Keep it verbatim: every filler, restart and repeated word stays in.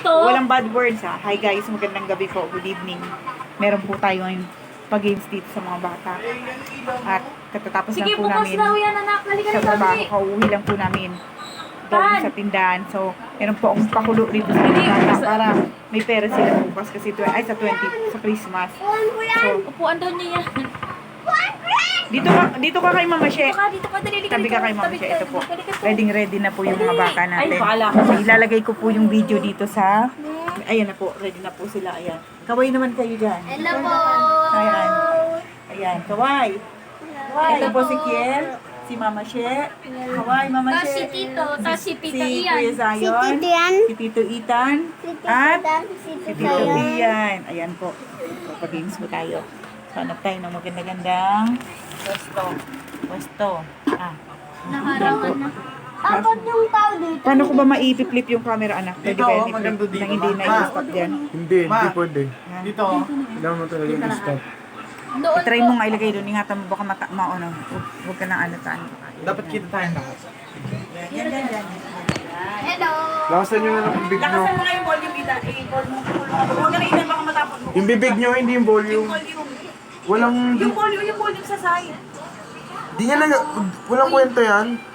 dito. Walang bad words ha. Hi guys, magandang gabi po. Good evening. Meron po tayo ngayon pag-games dito sa mga bata. At katatapos Sige, lang po bukas namin daw yan, anak. Halika sa na trabaho. kami. Kauwi lang po namin doon Tan! sa tindahan. So, meron po akong pakulo dito sa mga bata para may pera sila bukas kasi tw- ay sa twenty sa Christmas. So, Upuan daw niya yan. dito ka, dito ka kay Mama She. Dito ka, dito ka, dali, dali, Tabi ka kay Mama tabi She. ka, Ito po. tabi ka. Ready ready na po yung mga bata natin. Ay, bahala ka. So, ilalagay ko po yung video dito sa... Ayan na po. Ready na po sila. Ayan. Kaway naman kayo dyan. Hello po! Ayan. Ayan. Kaway. Kaway. Ito po si Kiel. Si Mama She. Kaway, Mama Tas She. si Tito, tas si Tita Si Ian. Kuya Si Zion. Tito yan. Si Tito Ethan. Si Tito At Dan, si si Tito Tito Sayon. Ian. Ayan po. Pag-games po tayo. So, hanap tayo ng maganda-gandang pwesto. Pwesto. Ah. Naharangan na. Apat yung tao dito. Paano ko ba maipip-flip yung camera, anak? Pwede Dito, ba oh, yan i-flip maganda dito, nang hindi ma. na i-stop dyan? Hindi, Ma. hindi pwede. Dito. Kailangan mo talaga yung stop. Doon I-try po. mo nga ilagay doon. Ingatan mo baka mata, maano. Huwag huwag ka nang ano taan. Dapat kita tayo lahat. Yan, yan, yan. Hello! Lakasan nyo na lang yung bibig nyo. Lakasan mo nga yung volume, Ida. I-call mo. Huwag ka na Ida, baka matapot mo. Yung bibig nyo, hindi yung volume. Volume. Walang, Yung volume, yung volume sa side. di niya na, walang kwento yan.